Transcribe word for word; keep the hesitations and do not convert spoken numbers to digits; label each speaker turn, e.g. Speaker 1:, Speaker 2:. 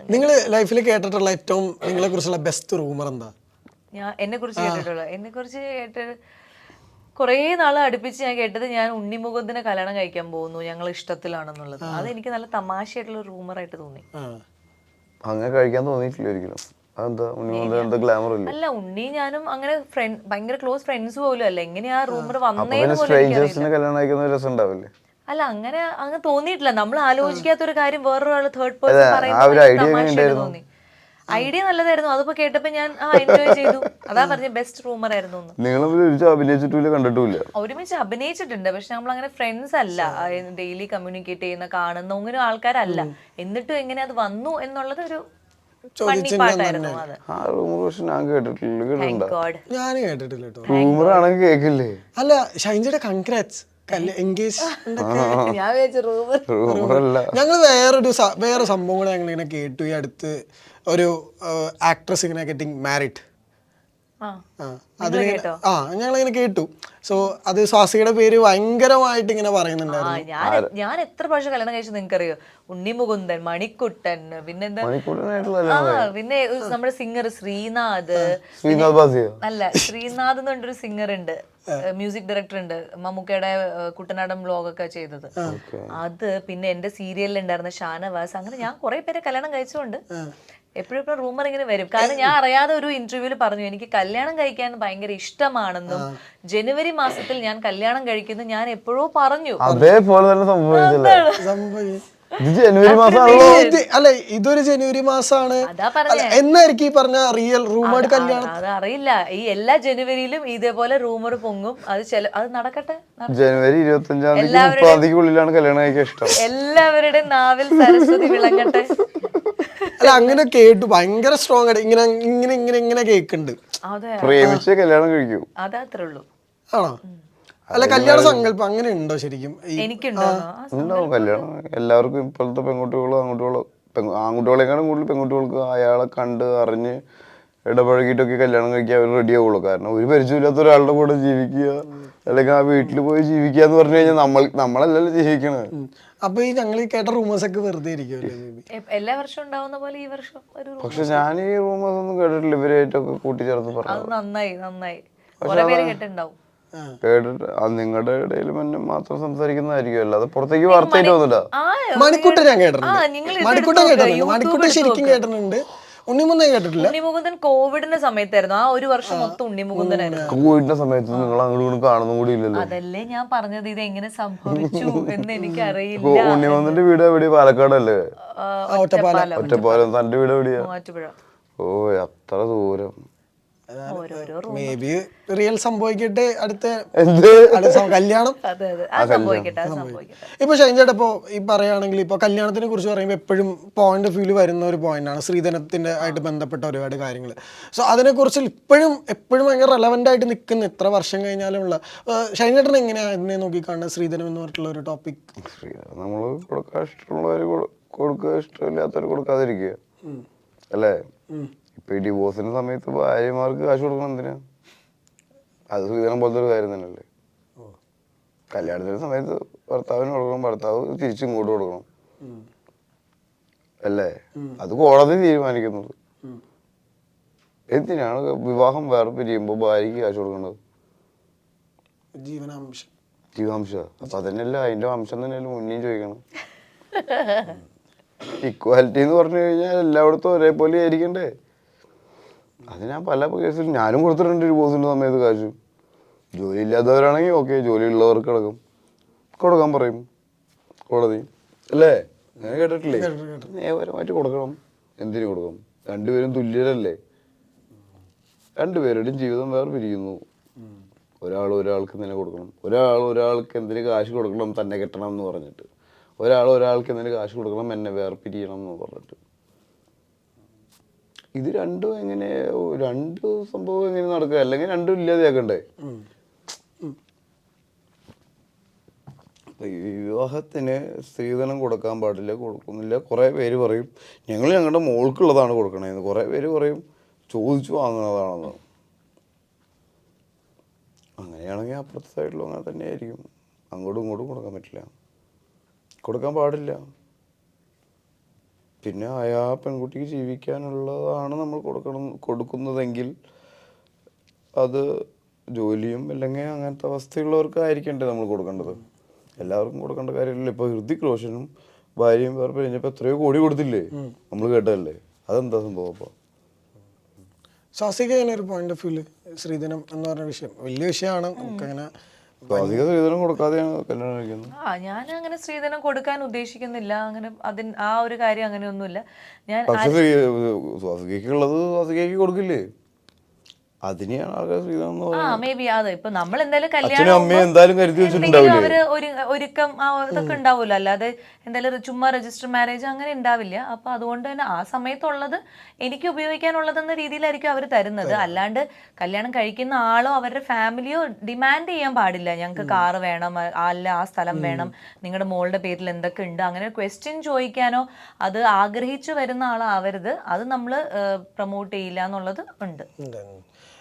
Speaker 1: നിങ്ങൾ ലൈഫിൽ കേട്ടിട്ടുള്ള ഏറ്റവും നിങ്ങളെ കുറിച്ചുള്ള ബെസ്റ്റ് റൂമർ എന്താ?
Speaker 2: ഞാൻ എന്നെ കുറിച്ച് കേട്ടിട്ടുള്ളൂ എന്നെ കുറിച്ച് കേട്ട് കുറേ നാൾ അടുപ്പിച്ച് ഞാൻ കേട്ടത് ഞാൻ ഉണ്ണിമുകുന്ദനെ കല്യാണം കഴിക്കാൻ പോകുന്നു, ഞങ്ങൾ ഇഷ്ടത്തിലാണെന്നുള്ളത്. അത് എനിക്ക് നല്ല തമാശയായിട്ടുള്ള റൂമറായിട്ട് തോന്നി.
Speaker 3: അങ്ങനെ കഴിക്കാൻ തോന്നിയിട്ടില്ല ഒരിക്കലും. അതെന്താ ഉണ്ണിമുകുന്ദൻ എന്താ ഗ്ലാമർ ഇല്ലേ?
Speaker 2: അല്ല, ഉണ്ണി ഞാനും അങ്ങനെ ഫ്രണ്ട് ഭയങ്കര ക്ലോസ് ഫ്രണ്ട്സ് പോലും അല്ല. എങ്ങനെയാ റൂമർ വന്നേന്ന് പോലും
Speaker 3: സ്ട്രേഞ്ചേഴ്സിനെ കല്യാണം കഴിക്കുന്ന രസം ഉണ്ടാവില്ലേ?
Speaker 2: അല്ല, അങ്ങനെ അങ്ങ് തോന്നിയിട്ടില്ല. നമ്മൾ ആലോചിക്കാത്ത ഒരു കാര്യം വേറൊരാൾ തേർഡ് പേഴ്സൺ പറയുന്നത് തോന്നി. ഐഡിയ നല്ലതായിരുന്നു. അതിപ്പോ കേട്ടപ്പോ ഞാൻ ആ എൻജോയ് ചെയ്തു. അതാ പറഞ്ഞ ബെസ്റ്റ് റൂമർ ആയിരുന്നു.
Speaker 3: നിങ്ങൾ അഭിനയിച്ചിട്ടില്ല, കണ്ടിട്ടില്ല?
Speaker 2: ഒരുമിച്ച് അഭിനയിച്ചിട്ടുണ്ട്, പക്ഷെ നമ്മൾ അങ്ങനെ ഫ്രണ്ട്സ് അല്ല, ഡെയിലി കമ്മ്യൂണിക്കേറ്റ് ചെയ്യുന്ന കാണുന്ന അങ്ങനെ ആൾക്കാരല്ല. എന്നിട്ടും എങ്ങനെ അത് വന്നു എന്നുള്ളത് ഒരു പാട്ടായിരുന്നു. അത്
Speaker 1: ഞാൻ കേട്ടിട്ടില്ല കേട്ടോ.
Speaker 3: റൂമർ ആണെങ്കിൽ കേക്കില്ലേ?
Speaker 1: അല്ല, ഷൈൻജിയുടെ കൺഗ്രാറ്റ്സ് ഞങ്ങൾ വേറൊരു വേറെ സംഭവം കൂടെ ഞങ്ങൾ ഇങ്ങനെ കേട്ടു. ഈ അടുത്ത് ഒരു ആക്ട്രസ് ഇങ്ങനെ ഗെറ്റിംഗ് മാരിഡ്. അതിന് ആ ഞങ്ങളിങ്ങനെ കേട്ടു. സോ അത് സ്വാസികയുടെ പേര് ഭയങ്കരമായിട്ട് ഇങ്ങനെ പറയുന്നുണ്ടായിരുന്നു.
Speaker 2: ഞാൻ എത്ര പ്രാവശ്യം കല്യാണം കഴിച്ചു നിങ്ങൾക്കറിയോ? ഉണ്ണിമുകുന്ദൻ, മണിക്കുട്ടൻ, പിന്നെന്താ ആ പിന്നെ നമ്മുടെ സിംഗർ ശ്രീനാഥ്. അല്ല, ശ്രീനാഥ് എന്ന് പറഞ്ഞൊരു സിംഗർ ഉണ്ട്, മ്യൂസിക് ഡയറക്ടർ ഉണ്ട്, മമ്മൂക്കയുടെ കുട്ടനാടൻ വ്ലോഗൊക്കെ ചെയ്തത്. അത് പിന്നെ എന്റെ സീരിയലിൽ ഉണ്ടായിരുന്ന ഷാനവാസ്. അങ്ങനെ ഞാൻ കുറെ പേരെ കല്യാണം കഴിച്ചുകൊണ്ട് എപ്പോഴും എപ്പോഴും റൂമർ ഇങ്ങനെ വരും. കാരണം ഞാൻ അറിയാതെ ഒരു ഇന്റർവ്യൂവിൽ പറഞ്ഞു എനിക്ക് കല്യാണം കഴിക്കാൻ ഭയങ്കര ഇഷ്ടമാണെന്നും ജനുവരി മാസത്തിൽ ഞാൻ കല്യാണം കഴിക്കുന്നു ഞാൻ എപ്പോഴോ പറഞ്ഞു.
Speaker 3: അതേപോലെ തന്നെ ജനുവരി
Speaker 1: അല്ല, ഇതൊരു ജനുവരി മാസമാണ് എന്നായിരിക്കും ഈ പറഞ്ഞ റിയൽ റൂമർ കല്യാണം.
Speaker 2: അതറിയില്ല. ഈ എല്ലാ ജനുവരിയിലും ഇതേപോലെ റൂമർ പൊങ്ങും. അത് ചില അത് നടക്കട്ടെ.
Speaker 3: ജനുവരി ഇരുപത്തി അഞ്ചാം തീയതിക്കുള്ളിലാണ് കല്യാണം കഴിക്കാൻ ഇഷ്ടം.
Speaker 2: എല്ലാവരുടെയും നാവിൽ സരസ്വതി വിളങ്ങട്ടെ.
Speaker 1: അല്ല, അങ്ങനെ കേട്ടു. ഭയങ്കര സ്ട്രോങ് ആയിട്ട് ഇങ്ങനെ ഇങ്ങനെ ഇങ്ങനെ ഇങ്ങനെ കേക്കുന്നുണ്ട്.
Speaker 3: പ്രേമിച്ച് കല്യാണം കഴിക്കൂ,
Speaker 2: അതത്രേ ഉള്ളൂ.
Speaker 1: ആണോ? അല്ല, കല്യാണ സങ്കല്പം അങ്ങനെ ഉണ്ടോ ശരിക്കും?
Speaker 3: ഉണ്ടാവും കല്യാണം. എല്ലാവർക്കും ഇപ്പോഴത്തെ പെൺകുട്ടികളും ആൺകുട്ടികളും, ആൺകുട്ടികളെക്കാളും കൂടുതൽ പെൺകുട്ടികൾക്ക് അയാളെ കണ്ട് അറിഞ്ഞ് ഇടപഴകിയിട്ടൊക്കെ കല്യാണം കഴിക്കാൻ അവർ റെഡി ആവുള്ളൂ. കാരണം ഒരു പരിചയമില്ലാത്ത ഒരാളുടെ കൂടെ ജീവിക്കുക അല്ലെങ്കിൽ ആ വീട്ടിൽ പോയി ജീവിക്കുക എന്ന് പറഞ്ഞു കഴിഞ്ഞാൽ നമ്മൾ നമ്മളല്ലല്ലോ ജീവിക്കണത്.
Speaker 1: അപ്പൊ ഈ ഞങ്ങൾ ഈ കേട്ട റൂമേഴ്സ് ഒക്കെ വെറുതെ ഇരിക്കുമല്ലേ?
Speaker 2: എല്ലാ വർഷവും ഉണ്ടാവുന്ന പോലെ ഈ വർഷം ഒരു
Speaker 3: പക്ഷെ ഞാൻ ഈ റൂമേഴ്സ് ഒന്നും കേട്ടിട്ടില്ല. ഇവരായിട്ടൊക്കെ കൂട്ടിച്ചേർത്ത് പറഞ്ഞു.
Speaker 2: നന്നായി നന്നായി കേട്ടിട്ടുണ്ടാവും.
Speaker 3: കേട്ടിട്ട് നിങ്ങളുടെ ഇടയിൽ മാത്രം സംസാരിക്കുന്നതായിരിക്കും, അല്ലാതെ പുറത്തേക്ക് വാർത്തയായിട്ട് വന്നില്ല.
Speaker 1: മണിക്കുട്ടൻ ഞാൻ കേട്ടിട്ടുണ്ട്. മണിക്കുട്ടൻ കേട്ടിട്ടുണ്ട്. മണിക്കുട്ടൻ ശരിക്കും കേട്ടിട്ടുണ്ട്. ഉണ്ണിമുകുന്ദൻ കേട്ടിട്ടില്ല.
Speaker 2: ഉണ്ണിമുകുന്ദൻ കോവിഡിന്റെ സമയത്തായിരുന്നു. ആ ഒരു വർഷം മൊത്തം ഉണ്ണിമുകുന്ദനായിരുന്നു.
Speaker 3: കോവിഡിന്റെ സമയത്ത് നിങ്ങൾ അങ്ങോട്ട് കാണുന്ന കൂടി ഇല്ലല്ലോ.
Speaker 2: അതല്ലേ ഞാൻ പറഞ്ഞത്, ഇത് എങ്ങനെ സംഭവിച്ചു എന്ന് എനിക്ക് അറിയില്ല.
Speaker 3: ഉണ്ണിമുകുന്ദന്റെ വീട് എവിടെയാ? പാലക്കാടല്ലേ?
Speaker 1: ഒറ്റപ്പാലം.
Speaker 3: ഒറ്റപ്പാലം. തന്റെ വീട് എവിടെയാ?
Speaker 2: മൂവാറ്റുപുഴ.
Speaker 3: ഓ, അത്ര ദൂരം.
Speaker 1: മേ ബി റിയൽ സംഭവിക്കട്ടെ അടുത്ത കല്യാണം. ഇപ്പൊ ഷൈൻചേട്ടാ, ഇപ്പൊ ഈ പറയുകയാണെങ്കിൽ ഇപ്പൊ കല്യാണത്തിനെ കുറിച്ച് പറയുമ്പോൾ എപ്പോഴും പോയിന്റ് ഓഫ് വ്യൂല് വരുന്ന ഒരു പോയിന്റാണ് ശ്രീധനത്തിന്റെ ആയിട്ട് ബന്ധപ്പെട്ട ഒരുപാട് കാര്യങ്ങൾ. സോ അതിനെ കുറിച്ച് ഇപ്പോഴും എപ്പോഴും ഭയങ്കര റെലവെന്റ് ആയിട്ട് നിൽക്കുന്ന എത്ര വർഷം കഴിഞ്ഞാലുമുള്ള ഷൈൻചേട്ടൻ എങ്ങനെയാണ് അതിനെ നോക്കിക്കാണുന്നത്, ശ്രീധനം എന്ന് പറഞ്ഞിട്ടുള്ള ഒരു ടോപ്പിക്?
Speaker 3: നമ്മൾ കൊടുക്കാൻ ഇഷ്ടമുള്ളവർ കൊടുക്കുക, ഇഷ്ടമില്ലാത്തവർ കൊടുക്കാതിരിക്കുക അല്ലേ? ഇപ്പൊ ഈ ഡിവോഴ്സിന്റെ സമയത്ത് ഭാര്യമാർക്ക് കാശ് കൊടുക്കണം എന്തിനാ? അത് ശ്രീധരൻ പോലത്തെ ഒരു കാര്യം തന്നെയല്ലേ. കല്യാണത്തിന്റെ സമയത്ത് ഭർത്താവിന് കൊടുക്കണം, ഭർത്താവ് തിരിച്ചും ഇങ്ങോട്ട് കൊടുക്കണം അല്ലേ? അത് കോടതി തീരുമാനിക്കുന്നത്. എന്തിനാണ് വിവാഹം വേറെ പിരിയുമ്പോ ഭാര്യക്ക് കാശ് കൊടുക്കേണ്ടത്?
Speaker 1: ജീവനാംശം.
Speaker 3: ജീവാംശം. അപ്പൊ അതന്നെയല്ല, അതിന്റെ അംശം തന്നെയല്ലേ മുന്നേയും ചോദിക്കണം. ഇക്വാലിറ്റി എന്ന് പറഞ്ഞു കഴിഞ്ഞാൽ എല്ലായിടത്തും ഒരേപോലെ ആയിരിക്കണ്ടേ? അത് ഞാൻ പല കേസിൽ ഞാനും കൊടുത്തിട്ടുണ്ട് ഡിവോഴ്സിന്റെ സമയത്ത് കാശ്. ജോലി ഇല്ലാത്തവരാണെങ്കിൽ ഓക്കെ, ജോലി ഉള്ളവർക്ക് അടക്കം കൊടുക്കാൻ പറയും കോടതി അല്ലേ? ഞാൻ കേട്ടിട്ടില്ലേ? നിയമപരമായിട്ട് കൊടുക്കണം. എന്തിനു കൊടുക്കണം? രണ്ടുപേരും തുല്യരല്ലേ? രണ്ടുപേരുടെയും ജീവിതം വേറെ പിരിക്കുന്നു. ഒരാൾ ഒരാൾക്ക് എന്തിനു കൊടുക്കണം? ഒരാൾ ഒരാൾക്ക് എന്തിനു കാശ് കൊടുക്കണം തന്നെ കെട്ടണം എന്ന് പറഞ്ഞിട്ട്, ഒരാൾ ഒരാൾക്ക് എന്തിനു കാശ് കൊടുക്കണം എന്നെ വേറെ പിരിയണം എന്ന് പറഞ്ഞിട്ട്. ഇത് രണ്ടും എങ്ങനെ, രണ്ട് സംഭവം എങ്ങനെ നടക്കുക? അല്ലെങ്കിൽ രണ്ടും ഇല്ലാതെയാക്കണ്ടേ? വിവാഹത്തിന് സ്ത്രീധനം കൊടുക്കാൻ പാടില്ല, കൊടുക്കുന്നില്ല. കുറേ പേര് പറയും ഞങ്ങൾ ഞങ്ങളുടെ മോൾക്കുള്ളതാണ് കൊടുക്കണേന്ന്. കുറേ പേര് പറയും ചോദിച്ചു വാങ്ങുന്നതാണെന്ന്. അങ്ങനെയാണെങ്കിൽ അപ്പുറത്തെ സൈഡിലും അങ്ങനെ തന്നെ ആയിരിക്കും. അങ്ങോട്ടും ഇങ്ങോട്ടും കൊടുക്കാൻ പറ്റില്ല, കൊടുക്കാൻ പാടില്ല. പിന്നെ അയാ പെൺകുട്ടിക്ക് ജീവിക്കാനുള്ളതാണ് നമ്മൾ കൊടുക്കണം കൊടുക്കുന്നതെങ്കിൽ അത് ജോലിയും അല്ലെങ്കിൽ അങ്ങനത്തെ അവസ്ഥയുള്ളവർക്ക് ആയിരിക്കണ്ടേ നമ്മൾ കൊടുക്കേണ്ടത്. എല്ലാവർക്കും കൊടുക്കേണ്ട കാര്യമില്ല. ഇപ്പോൾ ഹൃതിക് റോഷനും ഭാര്യയും വേറെ കഴിഞ്ഞപ്പോൾ എത്രയോ കോടി കൊടുത്തില്ലേ, നമ്മൾ കേട്ടതല്ലേ. അതെന്താ സംഭവം? അപ്പോൾ
Speaker 1: സ്വാസിക ഒരു പോയിന്റ് ഓഫ് വ്യൂല് ശ്രീധനം എന്ന് പറഞ്ഞ വിഷയം വലിയ വിഷയമാണ്. നമുക്കങ്ങനെ
Speaker 3: സ്വാസിക സ്ത്രീധനം കൊടുക്കാതെയാണ് കല്യാണം കഴിക്കുന്നത്.
Speaker 2: ആ ഞാൻ അങ്ങനെ സ്ത്രീധനം കൊടുക്കാൻ ഉദ്ദേശിക്കുന്നില്ല. അങ്ങനെ അതിന് ആ ഒരു കാര്യം അങ്ങനെയൊന്നുമില്ല. ഞാൻ
Speaker 3: പക്ഷെ സ്വാസികയ്ക്കുള്ളത് സ്വാസികയ്ക്ക് കൊടുക്കില്ലേ, അതിനെയാണ് ആൾക്കാർ സ്ത്രീധനം എന്ന്
Speaker 2: ആ
Speaker 3: പറയുന്നത്.
Speaker 2: മേ ബി അതെ ഇപ്പൊ നമ്മൾ എന്തായാലും
Speaker 3: അച്ഛനും
Speaker 2: കല്യാണം
Speaker 3: അമ്മയും എന്തായാലും കരുതി
Speaker 2: എന്തെങ്കിലും
Speaker 3: വെച്ചിട്ടുണ്ടാവില്ലേ.
Speaker 2: അവര് ഒരു ഒരുക്കം ആ ഇതൊക്കെ ഉണ്ടാവുമല്ലോ. അല്ലാതെ എന്തായാലും ചുമ്മാ രജിസ്റ്റർ മാരേജ് അങ്ങനെ ഉണ്ടാവില്ല. അപ്പൊ അതുകൊണ്ട് തന്നെ ആ സമയത്തുള്ളത് എനിക്ക് ഉപയോഗിക്കാനുള്ളതെന്ന രീതിയിലായിരിക്കും അവർ തരുന്നത്. അല്ലാണ്ട് കല്യാണം കഴിക്കുന്ന ആളോ അവരുടെ ഫാമിലിയോ ഡിമാൻഡ് ചെയ്യാൻ പാടില്ല. ഞങ്ങൾക്ക് കാറ് വേണം, അല്ല ആ സ്ഥലം വേണം, നിങ്ങളുടെ മോളുടെ പേരിൽ എന്തൊക്കെ ഉണ്ട്, അങ്ങനെ ക്വസ്റ്റ്യൻ ചോദിക്കാനോ അത് ആഗ്രഹിച്ചു വരുന്ന ആളാവരുത്. അത് നമ്മൾ പ്രൊമോട്ട് ചെയ്യില്ല എന്നുള്ളത് ഉണ്ട്.
Speaker 1: ഉണ്ട്.